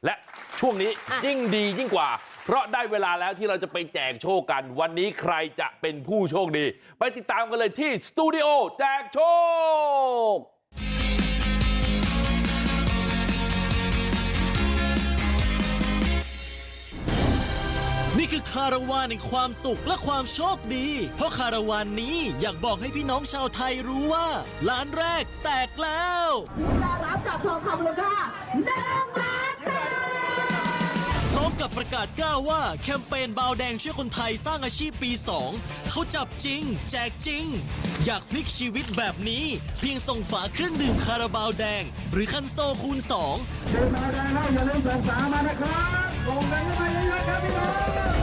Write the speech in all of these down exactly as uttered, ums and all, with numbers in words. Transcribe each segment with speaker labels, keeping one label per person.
Speaker 1: และช่วงนี้ยิ่งดียิ่งกว่าเพราะได้เวลาแล้วที่เราจะไปแจกโชคกันวันนี้ใครจะเป็นผู้โชคดีไปติดตามกันเลยที่สตูดิโอแจกโชค
Speaker 2: นี่คือคาราวานแห่งความสุขและความโชคดีเพราะคาราวานนี้อยากบอกให้พี่น้องชาวไทยรู้ว่าล้านแรกแตกแล้ว
Speaker 3: ได้รับจากทองคำมูลค่าหนึ่งล้านบาท
Speaker 2: พร้อมกับประกาศกล้าวว่าแคมเปญบาวแดงช่วยคนไทยสร้างอาชีพปีสองเขาจับจริงแจกจริงอยากพลิกชีวิตแบบนี้เพียงส่งฝาเครื่องดื่มคาราบาวแดงหรือคันโซคูณสอง
Speaker 3: ดื่มมาได้แล้วอย่าลืมส่งฝามานะครับส่งกันเข้ามาเยอะๆครับพี่น้อง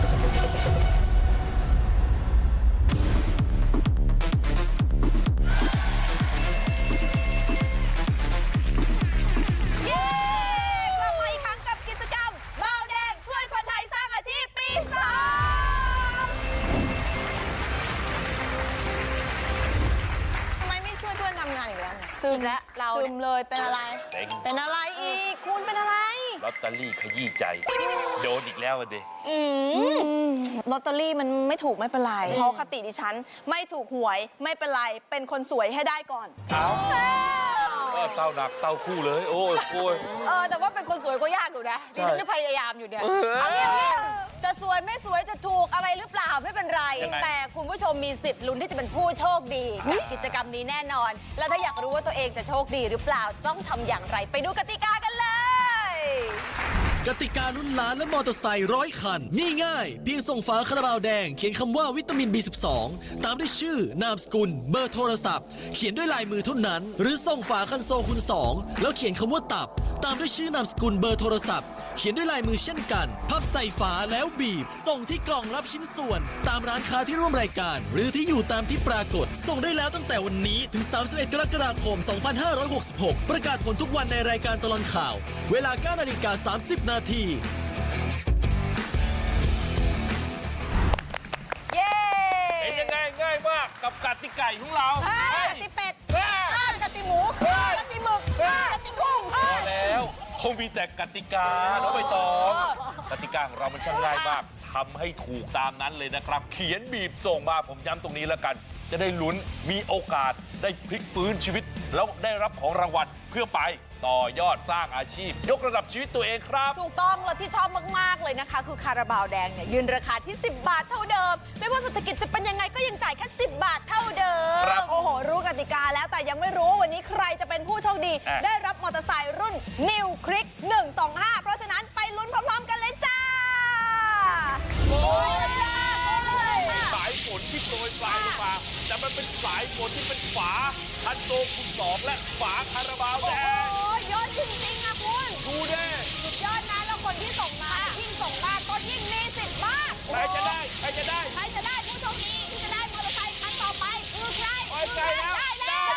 Speaker 4: ซึมแล้วเราซึมเลยเป็นอะไรเป็นอะไรอีกคุณเป็นอะไร
Speaker 1: ลอตเตอรี่ขยี้ใจโดนอีกแล้วเด็
Speaker 4: ลอตเตอรี่มันไม่ถูกไม่เป็นไรเพราะคติดิฉันไม่ถูกหวยไม่เป็นไรเป็นคนสวยให้ได้ก่อน
Speaker 1: เอาก็เต้าหนักเต้าคู่เลยโอ้ยโอ้ย
Speaker 4: เออแต่ว่าเป็นคนสวยก็ยากอยู่นะดิฉันจะพยายามอยู่เนี่ยเอาเนี่ยจะสวยไม่สวยจะถูกอะไรหรือเปล่าไม่เป็นไรแต่คุณผู้ชมมีสิทธิ์ลุ้นที่จะเป็นผู้โชคดีกับกิจกรรมนี้แน่นอนแล้วถ้าอยากรู้ว่าตัวเองจะโชคดีหรือเปล่าต้องทำอย่างไรไปดูกติกากันเลย
Speaker 2: กติกาลุ้นล้านและมอเตอร์ไซค์ร้อยคันนี่ง่ายเพียงส่งฝาคาราบาวแดงเขียนคำว่าวิตามิน บี สิบสอง ตามด้วยชื่อนามสกุลเบอร์โทรศัพท์เขียนด้วยลายมือเท่านั้นหรือส่งฝาคันโซคูณสองแล้วเขียนคำว่าตับตามด้วยชื่อนามสกุลเบอร์โทรศัพท์เขียนด้วยลายมือเช่นกันพับใส่ฝาแล้วบีบส่งที่กล่องรับชิ้นส่วนตามร้านค้าที่ร่วมรายการหรือที่อยู่ตามที่ปรากฏส่งได้แล้วตั้งแต่วันนี้ถึงสามสิบเอ็ดกรกฎาคมสองพันห้าร้อยหกสิบหกประกาศผลทุกวันในรายการตลอดข่าวเวลา เก้านาฬิกาสามสิบนาที
Speaker 1: เป็นยังไงง่ายมากกับกติกาของเรา
Speaker 4: กติเป็ดกติหมูกติหมึกกติกุ้ง
Speaker 1: พอแล้วคงมีแต่กติกาแล้วไปต่อกติกาของเรามันช่างง่ายมากทำให้ถูกตามนั้นเลยนะครับเขียนบีบส่งมาผมย้ำตรงนี้แล้วกันจะได้ลุ้นมีโอกาสได้พลิกฟื้นชีวิตแล้วได้รับของรางวัลเพื่อไปต่อยอดสร้างอาชีพยกระดับชีวิตตัวเองครับ
Speaker 4: ถูกต้องและที่ชอบมากๆเลยนะคะคือคาราบาวแดงเนี่ยยืนราคาที่สิบบาทเท่าเดิมไม่ว่าเศรษฐกิจจะเป็นยังไงก็ยังจ่ายแค่สิบบาทเท่าเดิมโอ้โหรู้กติกาแล้วแต่ยังไม่รู้วันนี้ใครจะเป็นผู้โชคดีได้รับมอเตอร์ไซค์รุ่น New Click หนึ่งสองห้าเพราะฉะนั้นไปลุ้นพร้อมๆกันเลยจ้า
Speaker 1: โอ้ยสายฝนที่โปรยปลายลงมาแต่มันเป็นสายฝนที่เป็นฝาคันโซคูณสองและฝาคาราบาวแดง
Speaker 4: โอ้ยยอดจริงๆอะคุณ
Speaker 1: ดูเด้
Speaker 4: สุดยอดนะแล้วคนที่ส่งมายิ่งส่งมากก็ยิ่งมีสิทธิ์มาก
Speaker 1: ใครจะได้ใครจะได้
Speaker 4: ใครจะได้ผู้โชคดีที่จะได้มอเตอร์ไซค์คันต่อไปคือใคร
Speaker 1: คือใครแล้วได้แล้ว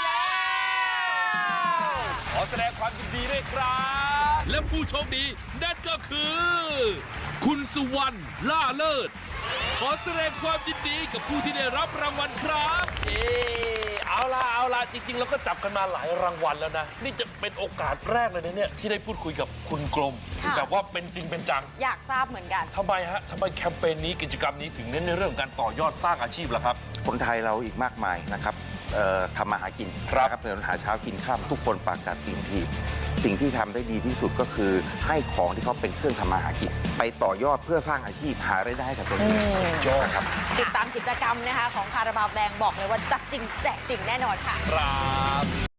Speaker 1: ขอแสดงความยินดีด้วยครับและผู้โชคดีนั่นก็คือคุณสุวรรณล่าเลิศขอแสดงความยินดีกับผู้ที่ได้รับรางวัลครับเออเอาล่ะเอาล่ะจริงๆเราก็จับกันมาหลายรางวัลแล้วนะนี่จะเป็นโอกาสแรกเลยนะเนี่ยที่ได้พูดคุยกับคุณกรมแบบว่าเป็นจริงเป็นจัง
Speaker 4: อยากทราบเหมือนกัน
Speaker 1: ทำไมฮะทำไมแคมเปญนี้กิจกรรมนี้ถึงเน้นในเรื่องการต่อยอดสร้างอาชีพล่ะครับ
Speaker 5: คนไทยเราอีกมากมายนะครับทำมาหากินนะครับเดินหาเช้ากินข้ามทุกคนปากกัดตีนทีสิ่งที่ทำได้ดีที่สุดก็คือให้ของที่เขาเป็นเครื่องทำมาหากินไปต่อยอดเพื่อสร้างอาชีพหารายได้ให้กับตัวเองสุดยอดครับ
Speaker 4: ติดตามกิจกรรมนะคะของคาราบาวแดงบอกเลยว่าจัดจริงแจกจริงแน่นอนค่ะ
Speaker 1: ครับ